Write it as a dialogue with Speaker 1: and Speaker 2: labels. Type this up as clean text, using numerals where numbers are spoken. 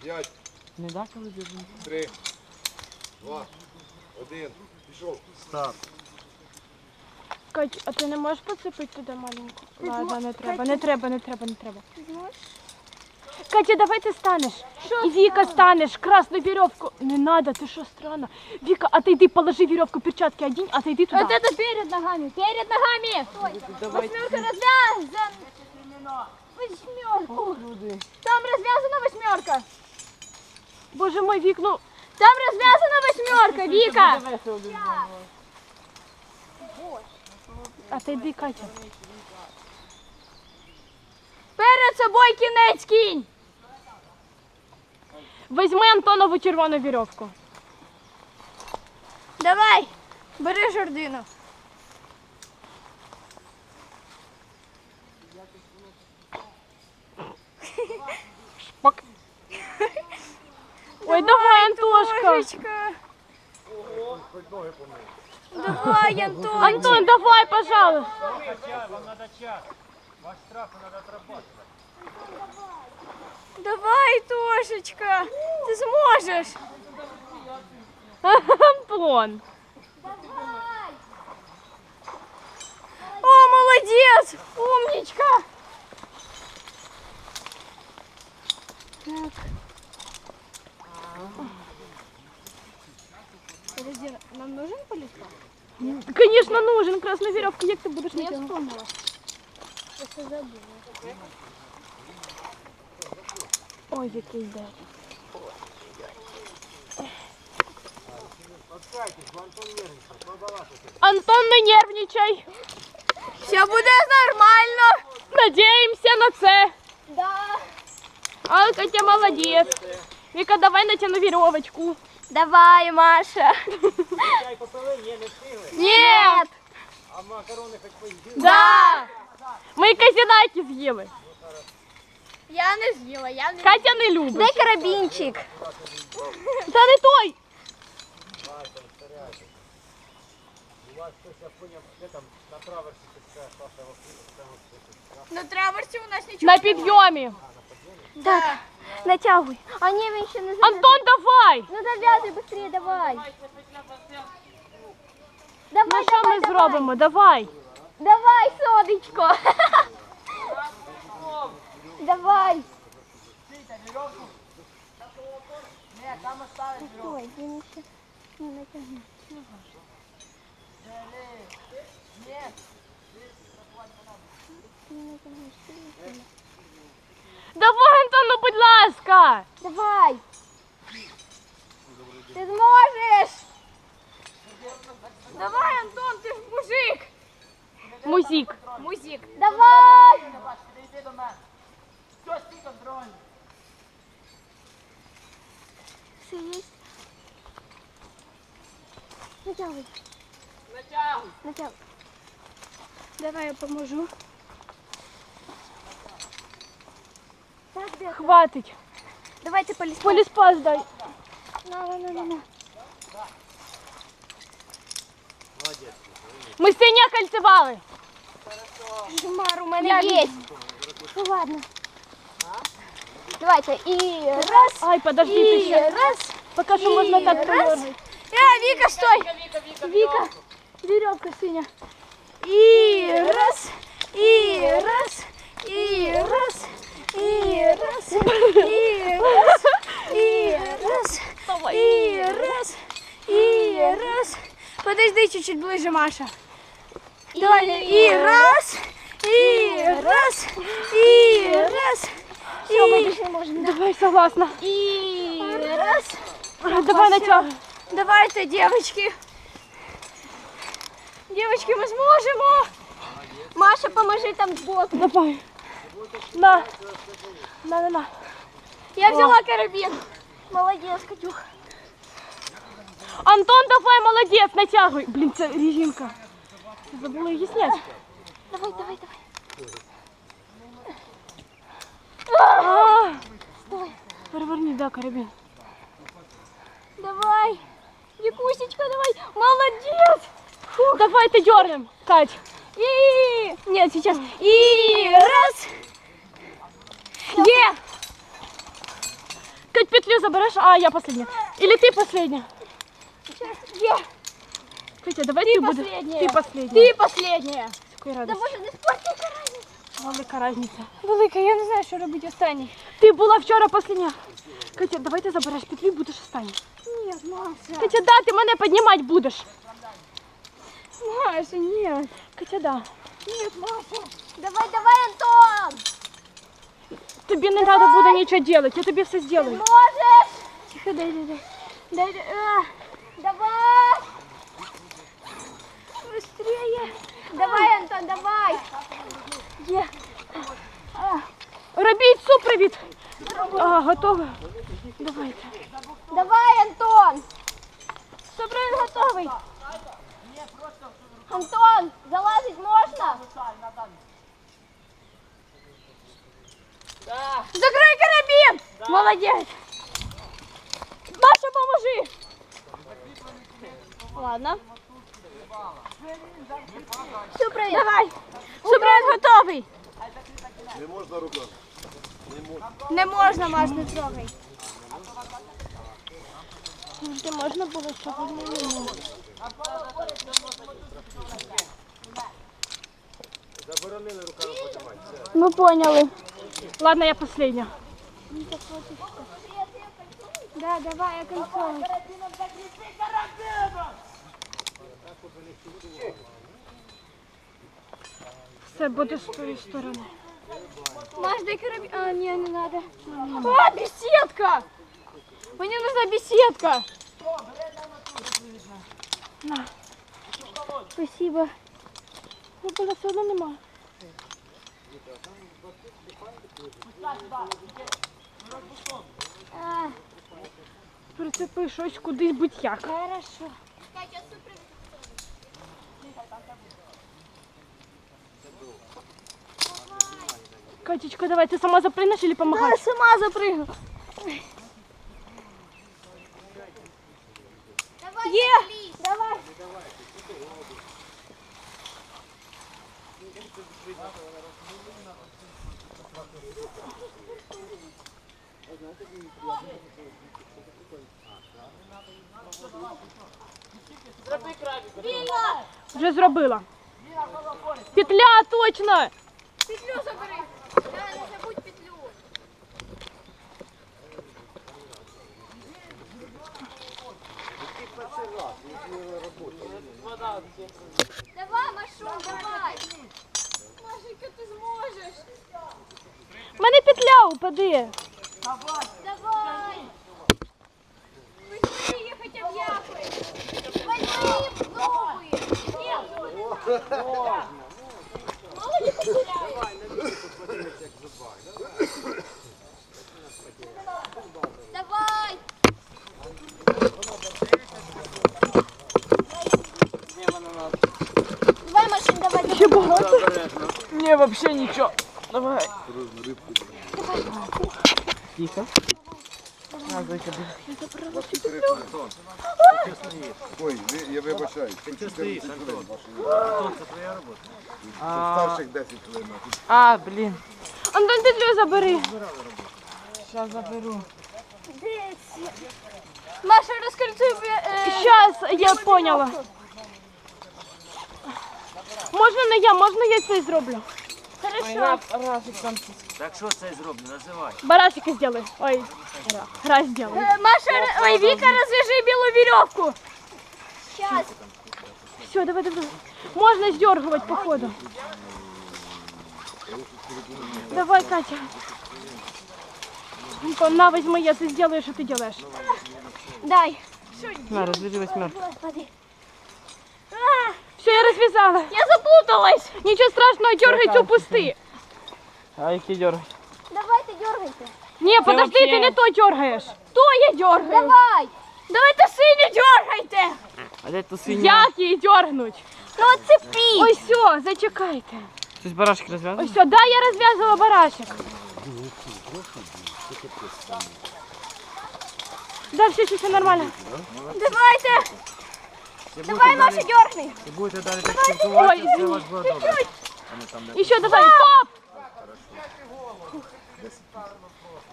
Speaker 1: 5.
Speaker 2: Не дати вибігти.
Speaker 1: 3, 2, 1. Пішов.
Speaker 2: Старт.
Speaker 3: Кать, а ти не можеш поцепити туди маленьку? Ладно, не треба, не треба. Катя, давай ты станешь. И Вика станешь, красную веревку. Не надо, ты что, странно. Вика, отойди, положи веревку, перчатки одень, отойди туда.
Speaker 4: Вот это перед ногами, перед ногами. Восьмерка развязана. Восьмерку. Там развязана восьмерка.
Speaker 3: Боже мой, Вик, ну...
Speaker 4: Там развязана восьмерка, Вика.
Speaker 3: Отойди, Катя.
Speaker 4: Перед собой кінець кинь.
Speaker 3: Возьми Антонову червону веревку.
Speaker 4: Давай, бери жердину.
Speaker 3: Шпак. Ой, давай, Антошка.
Speaker 4: Антошечка. Давай, Антон.
Speaker 3: Антон, давай, пожалуйста.
Speaker 2: Вам надо час. Ваш штраф надо отрабатывать.
Speaker 4: Давай, Тошечка. Ты сможешь.
Speaker 3: Антон.
Speaker 4: О, молодец. Умничка. Так. Подожди, нам нужен полиспа?
Speaker 3: Конечно, нужен красную веревку, як ты будешь
Speaker 4: Я
Speaker 3: натягивать?
Speaker 4: вспомнила. Просто забыла.
Speaker 3: Ой, який день. Антон, не нервничай.
Speaker 4: Все буде нормально.
Speaker 3: Надеемся на це.
Speaker 4: Да.
Speaker 3: А, Катя, молодец. Вика, давай натяну веревочку.
Speaker 4: Давай, Маша.
Speaker 2: Чай попили? Ні, не встигли.
Speaker 4: Нет.
Speaker 2: А макарони хоч поїдили?
Speaker 3: Да. Ми казінаки з'їли.
Speaker 4: Я не з'їла, я не
Speaker 3: Катя не любить.
Speaker 4: Дай карабінчик.
Speaker 3: Та не той.
Speaker 2: У вас хтось, я поняв, де там на траверсі така Саша
Speaker 4: На траверсі у нас нічого.
Speaker 3: На підйомі.
Speaker 4: Так, натягуй. А ні, він ще не зав'язує.
Speaker 3: Антон, давай.
Speaker 4: Ну зав'язуй швидше, давай.
Speaker 3: Ну що ми зробимо? Давай.
Speaker 4: Давай, сонечко. Давай. Ой, він ще не натягнув.
Speaker 3: Давай, Антон, ну будь ласка.
Speaker 4: Давай. Ти зможеш. Давай, Антон, ти ж мужик.
Speaker 3: Музик.
Speaker 4: Музик. Давай. Все есть? Натягивай. Натягивай. Давай я поможу. Так, де?
Speaker 3: Хватить.
Speaker 4: Давай ти поліз.
Speaker 3: Поліспас дай.
Speaker 4: На.
Speaker 3: Ми синя кольцевали.
Speaker 4: Жмар у мене є. Ну ладно. Давайте. І раз.
Speaker 3: Ай, подожди, ти
Speaker 4: І
Speaker 3: ще.
Speaker 4: раз.
Speaker 3: Поки що можна так
Speaker 4: раз.
Speaker 3: подергати.
Speaker 4: Вика, стой. Вика. Веревка синя. И раз. И раз. И раз. И раз. И раз. И раз.
Speaker 3: Давай.
Speaker 4: И раз. И раз. Подожди чуть-чуть ближе, Маша. Давай. И раз. И раз. И раз. Все, мы больше не можем.
Speaker 3: Давай, согласна.
Speaker 4: И раз.
Speaker 3: Давай натягуй.
Speaker 4: Давайте, девочки. Девочки, мы сможем. Маша, поможи там сбоку.
Speaker 3: Давай. На. На.
Speaker 4: Я взяла карабин. Молодец, Катюх.
Speaker 3: Антон, давай, молодец, натягуй. Блин, це резинка. Забыла її зняти.
Speaker 4: Давай.
Speaker 3: Давай. Переверни, да, карабин.
Speaker 4: Давай. Викусечка, давай. Молодец.
Speaker 3: Давай, ты дернем, Кать.
Speaker 4: И... Нет, сейчас. И раз.
Speaker 3: Е! Кать, петлю заберешь, а я последняя. Или ты последняя?
Speaker 4: Є.
Speaker 3: Катя, давай ты будешь.
Speaker 4: последняя.
Speaker 3: Ты последняя.
Speaker 4: Ти последня.
Speaker 3: З такою
Speaker 4: Та
Speaker 3: радістю.
Speaker 4: може не спортивка разниця?
Speaker 3: Велика разниця.
Speaker 4: Велика, я не знаю, що робити останній.
Speaker 3: Ти була вчора последня. Катя, давай ти забереш петлю і будеш останній.
Speaker 4: Ні, Маша.
Speaker 3: Катя, да, ти мене піднімати будеш.
Speaker 4: Маша, ні.
Speaker 3: Катя, да.
Speaker 4: Ні, Маша. Давай, давай, Антон.
Speaker 3: Тобі не треба буде нічого робити, я тобі все зроблю.
Speaker 4: Можеш. Тихо, дай. Давай. Быстрее. Давай, Антон, давай. Є.
Speaker 3: Робіть супровід. А, готово? Давайте.
Speaker 4: Давай, Антон. Супровід готовий. Антон, залазить можна? Закрой карабин. Молодец. Маша, поможи. Ладно. Супровід. Давай. Супровід готовий.
Speaker 1: Не можна руками.
Speaker 4: Не можна, Маш, не трогай.
Speaker 3: Ти можна було сьогодні?
Speaker 2: Заборонили руками подимати.
Speaker 3: Ми поняли. Ладно, я последня.
Speaker 4: Да, давай, я контролю.
Speaker 3: Все буде з тої сторони.
Speaker 4: Маш, дай карабин. А, не надо. А, беседка! Мне нужна беседка.
Speaker 3: На.
Speaker 4: Спасибо.
Speaker 3: Ну, було все одно нема.
Speaker 4: А,
Speaker 3: Прицепи щось кудись будь-як.
Speaker 4: хорошо.
Speaker 3: Катечка, давай, ты сама запрыгнешь или
Speaker 4: Да,
Speaker 3: помогаешь?
Speaker 4: сама запрыгну. Е! Давай.
Speaker 3: Вже зробила. Петля, точно!
Speaker 4: Петлю забери. Да, не забудь петлю. Давай, Машу, давай. Машенька, ти зможеш.
Speaker 3: У мене петля упаде.
Speaker 4: Давай. Быстрее, я хотя бы яхаю. Возьми, пробуй. Нет. Мало не потеряешь. Давай. Давай, Машин, давай.
Speaker 3: Ще багато.
Speaker 2: Ні, взагалі нічого. Давай. Тихо. На, зайка,
Speaker 1: Ой, я вибачаю.
Speaker 2: Ти стоїш, Антон?
Speaker 1: Антон,
Speaker 2: Це твоя робота.
Speaker 1: старших 10 хвилин.
Speaker 2: А, блін.
Speaker 3: Антон, петлю забери.
Speaker 2: Зараз заберу.
Speaker 4: Маша, раскольцуй.
Speaker 3: Сейчас, я поняла. Можна не я, можна я це зроблю.
Speaker 4: Хорошо.
Speaker 2: Так що це зроблю, називай.
Speaker 3: Барашика сделай. Ой, раз сделай.
Speaker 4: Маша, ой, Вика, развяжи белую веревку. Сейчас.
Speaker 3: Все, давай. Можно сдергивать по ходу. Давай, Катя. На, возьми, я ты сделаю, что ты делаешь.
Speaker 4: Дай.
Speaker 2: На, розв'яжи восьмерку.
Speaker 4: Господи.
Speaker 3: Все, я развязала.
Speaker 4: Я запуталась.
Speaker 3: Ничего страшного, дергай цю пусти.
Speaker 2: А які дергай?
Speaker 4: Давайте, дергайте.
Speaker 3: Не, подожди,
Speaker 2: вообще-
Speaker 3: ты не то дергаешь. То я дергаю.
Speaker 4: Давай. Давайте синю дергайте.
Speaker 2: А де тут свиня?
Speaker 3: Як її дергнуть?
Speaker 4: Ну, отцепи.
Speaker 3: Ой, все, зачекайте.
Speaker 2: Щось барашки розв'язав?
Speaker 3: Ой, все, да, я развязывала барашек. Да, все нормально.
Speaker 4: Давайте. Давай, Маша, дергни.
Speaker 2: Ви будете далі так спілкуватися,
Speaker 3: Ой,
Speaker 2: все у вас буде добре.
Speaker 3: Еще давай, стоп!